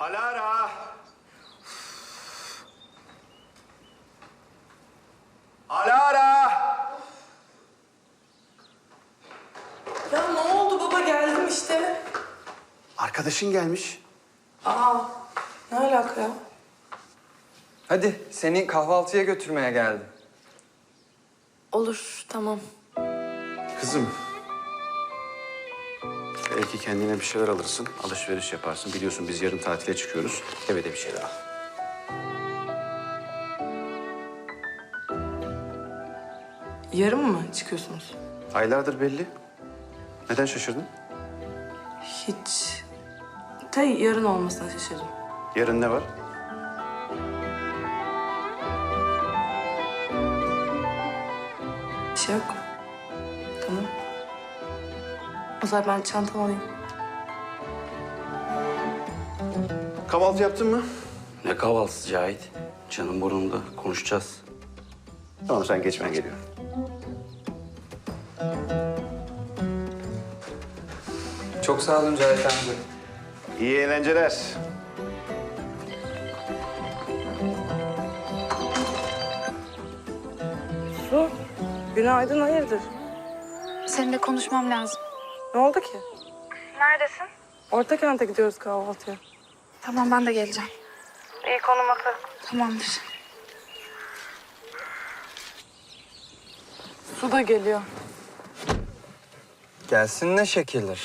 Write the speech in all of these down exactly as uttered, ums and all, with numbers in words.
Alara! Alara! Ya ne oldu baba? Geldim işte. Arkadaşın gelmiş. Aa, ne alaka ya? Hadi seni kahvaltıya götürmeye geldim. Olur, tamam. Kızım. Belki kendine bir şeyler alırsın, alışveriş yaparsın. Biliyorsun biz yarın tatile çıkıyoruz. Eve de bir şeyler al. Yarın mı çıkıyorsunuz? Aylardır belli. Neden şaşırdın? Hiç. Ta yarın olmasına şaşırdım. Yarın ne var? Bir şey yok. Tamam. O zaman ben çantamı alayım. Kahvaltı yaptın mı? Ne kahvaltısı Cahit? Canım burnumda. Konuşacağız. Tamam sen geç ben geliyorum. Çok sağ olun Cahit amca. İyi eğlenceler. Su, günaydın, hayırdır? Seninle konuşmam lazım. Ne oldu ki? Neredesin? Orta kente gidiyoruz kahvaltıya. Tamam, ben de geleceğim. İyi, konum atarım. Tamamdır. Su da geliyor. Gelsin ne şekildir.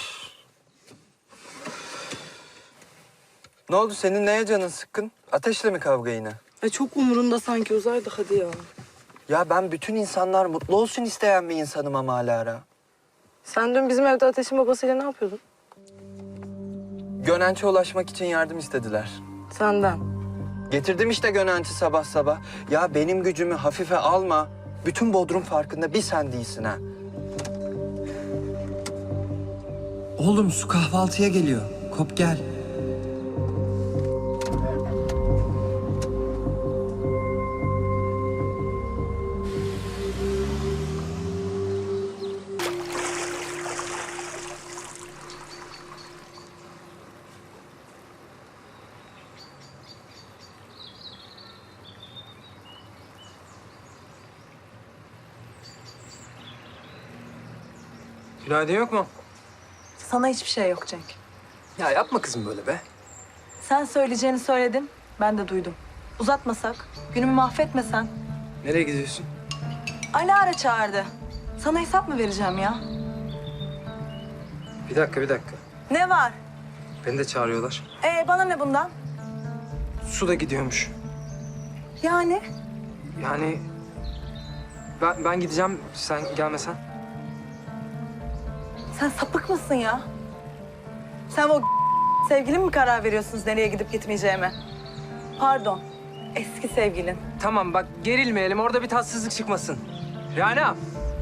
Ne oldu senin neye canın sıkkın? Ateşle mi kavga yine? E çok umurunda sanki, uzaydı hadi ya. Ya ben bütün insanlar mutlu olsun isteyen bir insanım ama Alara. Sen dün bizim evde Ateş'in babasıyla ne yapıyordun? Gönenç'e ulaşmak için yardım istediler. Senden. Getirdim işte Gönenç'i sabah sabah. Ya benim gücümü hafife alma. Bütün Bodrum farkında bir sen değilsin ha. Oğlum su kahvaltıya geliyor. Kop gel. Günaydın yok mu? Sana hiçbir şey yok Cenk. Ya yapma kızım böyle be. Sen söyleyeceğini söyledin, ben de duydum. Uzatmasak, günümü mahvetmesen. Nereye gidiyorsun? Alara çağırdı. Sana hesap mı vereceğim ya? Bir dakika bir dakika. Ne var? Beni de çağırıyorlar. Ee, bana ne bundan? Su da gidiyormuş. Yani? Yani ben, ben gideceğim sen gelmesen. Sen sapık mısın ya? Sen o sevgilin mi karar veriyorsunuz nereye gidip gitmeyeceğime? Pardon, eski sevgilin. Tamam bak gerilmeyelim orada bir tatsızlık çıkmasın. Rana.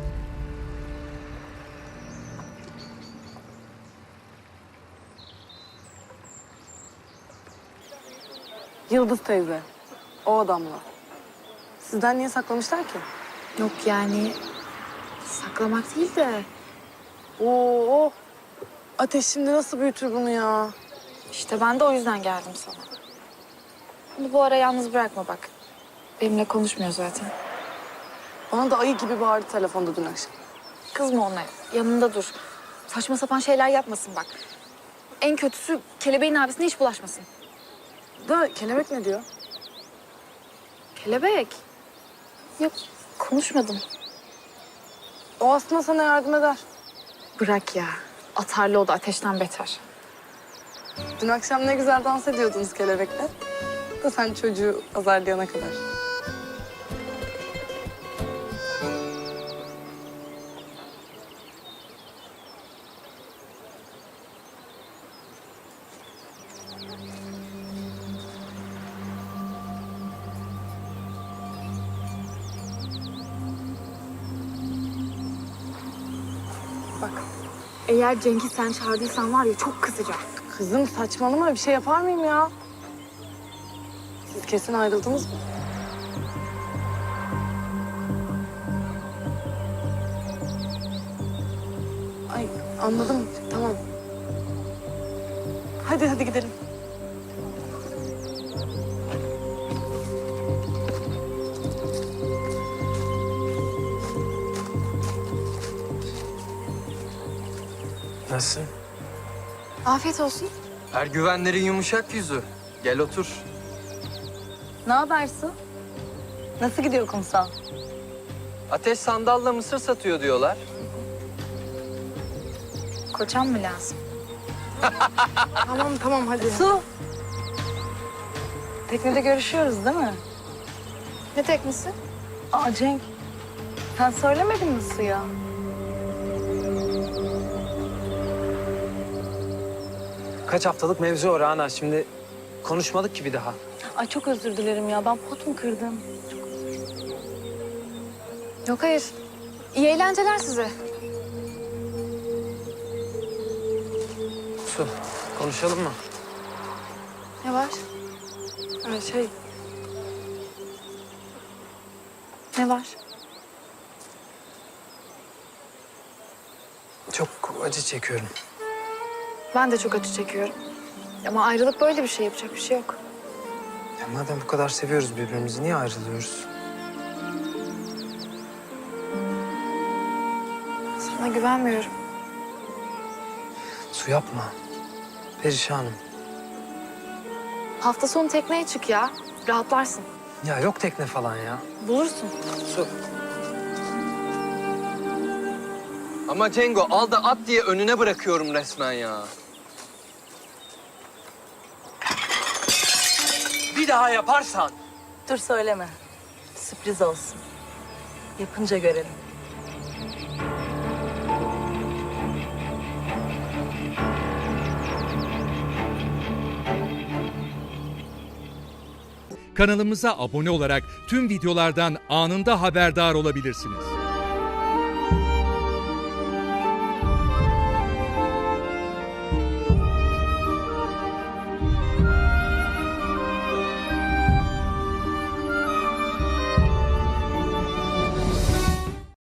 Yıldız teyze. O adamla. Sizden niye saklamışlar ki? Yok yani saklamak değil de Oo. Ateş şimdi nasıl büyütür bunu ya? işte ben de o yüzden geldim sana. Bunu bu ara yalnız bırakma bak. Benimle konuşmuyor zaten. Bana da ayı gibi bağırdı telefonda dün akşam. Kızma ona, yanında dur. Saçma sapan şeyler yapmasın bak. En kötüsü kelebeğin abisine hiç bulaşmasın. Da kelebek ne diyor? Kelebek? Yok, konuşmadım. O aslında sana yardım eder. Bırak ya. Atarlı o da ateşten beter. Dün akşam ne güzel dans ediyordunuz kelebekle. Da sen çocuğu azarlayana kadar. Bak, eğer Cenk'i sen çağırdıysan var ya çok kızacak. Kızım saçmalama, bir şey yapar mıyım ya? Siz kesin ayrıldınız mı? Ay anladım, tamam. Hadi hadi gidelim. Nasılsın? Afiyet olsun. Ergüvenlerin yumuşak yüzü. Gel otur. Ne haber Su? Nasıl gidiyor kumsal? Ateş sandalla mısır satıyor diyorlar. Kocam mı lazım? Tamam tamam hadi. Su! Teknede görüşüyoruz değil mi? Ne teknisi? Aa Cenk, sen söylemedin mi Su'ya? Kaç haftalık mevzu o Rana. Şimdi konuşmadık ki bir daha. Ay çok özür dilerim ya, ben pot mu kırdım? Yok hayır. İyi eğlenceler size. Su, konuşalım mı? Ne var? Ee, şey Ne var? Çok acı çekiyorum. Ben de çok acı çekiyorum. Ama ayrılık böyle bir şey, yapacak bir şey yok. Ya madem bu kadar seviyoruz birbirimizi niye ayrılıyoruz? Sana güvenmiyorum. Su yapma. Perişanım. Hafta sonu tekneye çık ya. Rahatlarsın. Ya yok tekne falan ya. Bulursun. Su. Ama Cengo al da at diye önüne bırakıyorum resmen ya. Bir daha yaparsan. Dur söyleme. Sürpriz olsun. Yapınca görelim. Kanalımıza abone olarak tüm videolardan anında haberdar olabilirsiniz.